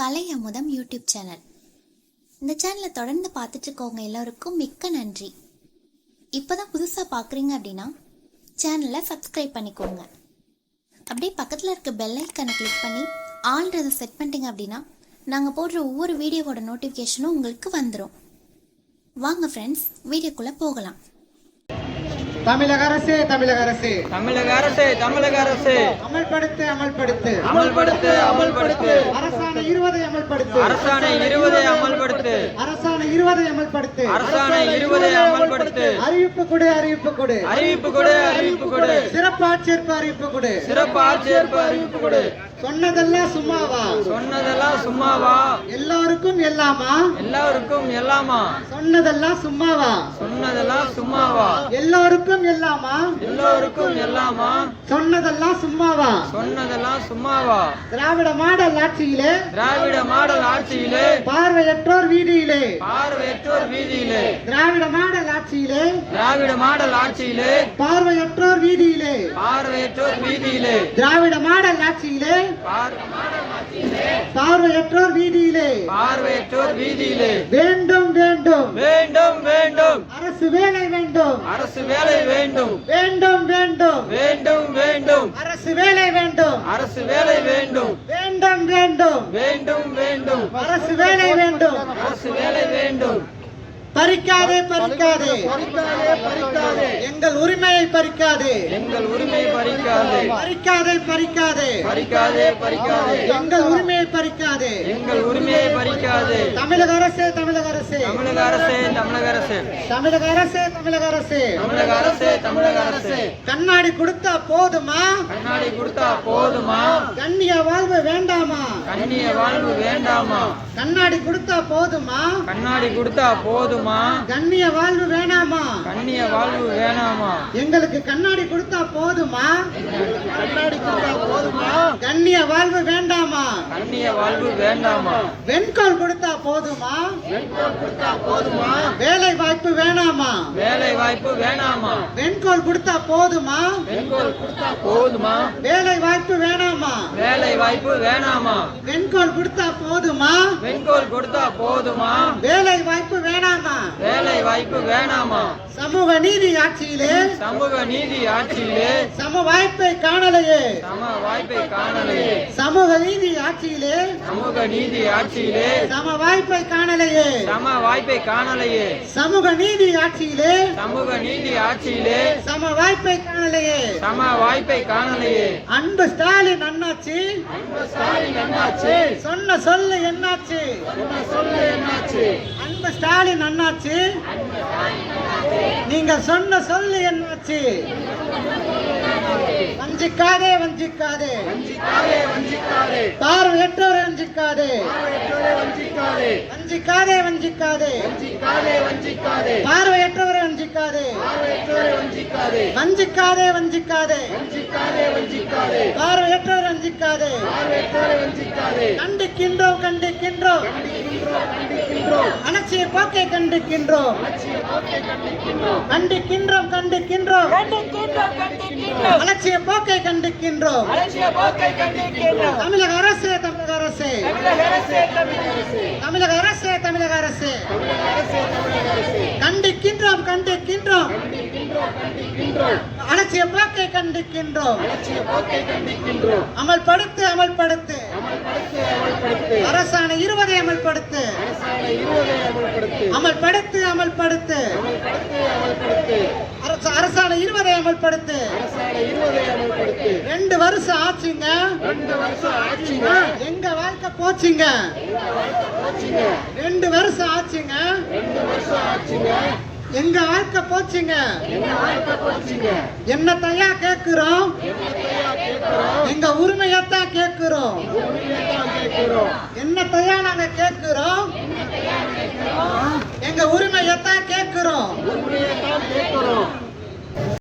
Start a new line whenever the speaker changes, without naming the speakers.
கலை அமுதம் YouTube channel. இந்த சேனலை தொடர்ந்து பார்த்துட்டு இருக்கவங்க எல்லோருக்கும் மிக்க நன்றி. இப்போதான் புதுசாக பார்க்குறீங்க அப்படின்னா சேனலை சப்ஸ்கிரைப் பண்ணிக்கோங்க. அப்படியே பக்கத்தில் இருக்க பெல் ஐக்கானை கிளிக் பண்ணி ஆல்ன்றதை செட் பண்ணிட்டீங்க அப்படின்னா நாங்கள் போடுற ஒவ்வொரு வீடியோவோட நோட்டிஃபிகேஷனும் உங்களுக்கு வந்துடும். வாங்க ஃப்ரெண்ட்ஸ், வீடியோக்குள்ளே போகலாம்.
தமிழக அரசே தமிழக அரசே
தமிழக அரசே தமிழக அரசே
அமல்படுத்து அமல்படுத்து
அமல்படுத்து அமல்படுத்து
அரசாணை 20 அமல்படுத்து
அரசாணை 20 அமல்படுத்து
அரசாணை 20 அமல்படுத்து
அரசாணை 20 அமல்படுத்து
அறிவிப்பு கொடு அறிவிப்பு கொடு
அறிவிப்பு கொடு அறிவிப்பு கொடு
சிறப்பு ஆட்சேர்ப்பு அறிவிப்பு கொடு
சிறப்பு ஆட்சேர்ப்பு அறிவிப்பு கொடு.
சொன்னதெல்லாம் சும்மாவா
சொன்னதெல்லாம் சும்மாவா?
எல்லாருக்கும் எல்லாமா?
எல்லாருக்கும் எல்லாமா?
சொன்னதெல்லாம் சும்மாவா?
சொன்னதெல்லாம் சும்மாவா?
எல்லாருக்கும் எல்லாமா?
எல்லோருக்கும் எல்லாமா?
சொன்னதெல்லாம் சும்மாவா?
சொன்னதெல்லாம் சும்மாவா?
திராவிட மாடல் ஆட்சியிலே
திராவிட மாடல் ஆட்சியிலே
பார்வையற்றோர் வீதியிலே
பார்வையற்றோர் வீதியிலே
திராவிட மாடல் ஆட்சியிலே
திராவிட மாடல் ஆட்சியிலே
பார்வையற்றோர் வீதியிலே
பார்வையற்றோர் வீதியிலே
திராவிட மாடல் ஆட்சியிலே பார்வையற்றோர் வீதியிலே
பார்வையற்றோர் வீதியிலே
வேண்டும் வேண்டும்
வேண்டும் வேண்டும்
அரசு வேலை வேண்டும்
அரசு வேலை வேண்டும்
வேண்டும் வேண்டும்
வேண்டும் வேண்டும்
அரசு வேலை வேண்டும்
அரசு வேலை வேண்டும்
வேண்டும் வேண்டும்
வேண்டும் வேண்டும்
அரசு வேலை வேண்டும்
அரசு வேலை வேண்டும்.
பறிக்காதே பறிக்காதே எங்கள் உரிமையை பறிக்காதே
எங்கள் உரிமையை பறிக்காதே
பறிக்காதே பறிக்காதே
பறிக்காதே பறிக்காதே
எங்கள் உரிமையை பறிக்காதே
எங்கள் உரிமையை பறிக்காதே.
தமிழக அரசே தமிழக அரசே
தமிழக அரசே தமிழக அரசே
தமிழக அரசே தமிழக அரசே
தமிழக அரசே தமிழக அரசே
கண்ணாடி கொடுத்தா போதுமா?
கண்ணாடி கொடுத்தா போதுமா?
கண்ணிய வாழ்வு வேண்டாமா?
கண்ணிய வாழ்வு வேண்டாமா?
கண்ணாடி கொடுத்தா போதுமா?
கண்ணாடி கொடுத்தா போதுமா?
கண்ணிய வாழ்வு வேணாமா?
கண்ணிய வாழ்வு வேணாமா?
எங்களுக்கு கண்ணாடி கொடுத்தா போதுமா? கண்ணாடி கொடுத்தா போதுமா? கண்ணிய வாழ்வு வேண்டாமா?
கண்ணிய வாழ்வு வேண்டாமா?
வெண்கோல் கொடுத்தா போதுமா? வெண்கோல் கொடுத்தா போதுமா? வேலை வாய்ப்பு வேணாமா?
வேலை வாய்ப்பு வேணாமா?
வெண்கோல் கொடுத்தா போதுமா?
பெண்கோல் கொடுத்தா போதுமா?
வேலை வாய்ப்பு வேணாமா?
வேலை வாய்ப்பு வேணாமா?
வெண்கோல் கொடுத்தா போதுமா?
பெண்கோல் கொடுத்தா போதுமா?
வேலை வாய்ப்பு வேணாமா?
வேலை வாய்ப்பு வேணாமா?
சமூக நீதி ஆட்சியிலே
சமூக நீதி ஆட்சியிலே
சம வாய்ப்பை காணலையே
சம வாய்ப்பை காணலையே
சமூக நீதி ஆட்சியிலே
சமூக நீதி ஆட்சியிலே
சம வாய்ப்பை காணலையே
சம வாய்ப்பை காணலையே
சமூக நீதி ஆட்சியிலே
சமூக நீதி ஆட்சியிலே
சம வாய்ப்பை காணலையே
சம வாய்ப்பை காணலையே.
அன்பு ஸ்டாலின் அண்ணாச்சி சொன்ன சொல்லு என்னாச்சு? அன்பு ஸ்டாலின் அண்ணாச்சி நீங்க சொன்ன சொல்லு என்னாச்சு? வஞ்சிக்காதே வஞ்சிக்காதே பார்வையற்றோரை வஞ்சிக்காதே வஞ்சிக்காதே வஞ்சிக்காதே பார்வையற்றோரை வஞ்சிக்காதே வஞ்சிக்காதே வஞ்சிக்காதே பார்வையற்றோரை வஞ்சிக்காதே கண்டிக்கின்றோம் கண்டிக்கின்றோம் அலட்சிய போக்கை கண்டிக்கின்றோம் கண்டிக்கின்றோம் கண்டிக்கின்றோம் அலட்சிய போக்கை கண்டிக்கின்றோம். தமிழக அரசே தமிழக அரசே தமிழக அரசே தமிழக அரசே கண்டிக்கின்றோம் கண்டிக்கின்றோம் அலட்சிய போக்கை கண்டிக்கின்றோம். அமல்படுத்து அமல்படுத்து அரசாணை 20 அமல்படுத்து அமல்படுத்து அமல்படுத்து அரசாணை 20 அமல்படுத்து 2 வருஷம் ஆச்சுங்க எங்க வாழ்க்கை போச்சுங்க 2 வருஷம் ஆச்சுங்க எங்க வாழ்க்கை போச்சுங்க. என்னத்தையா கேட்கிறோம்? எங்க உரிமையத்தான் கேட்கிறோம். என்னத்தையா நாங்க கேட்கிறோம்? எங்க உரிமையத்தான் கேட்கிறோம்.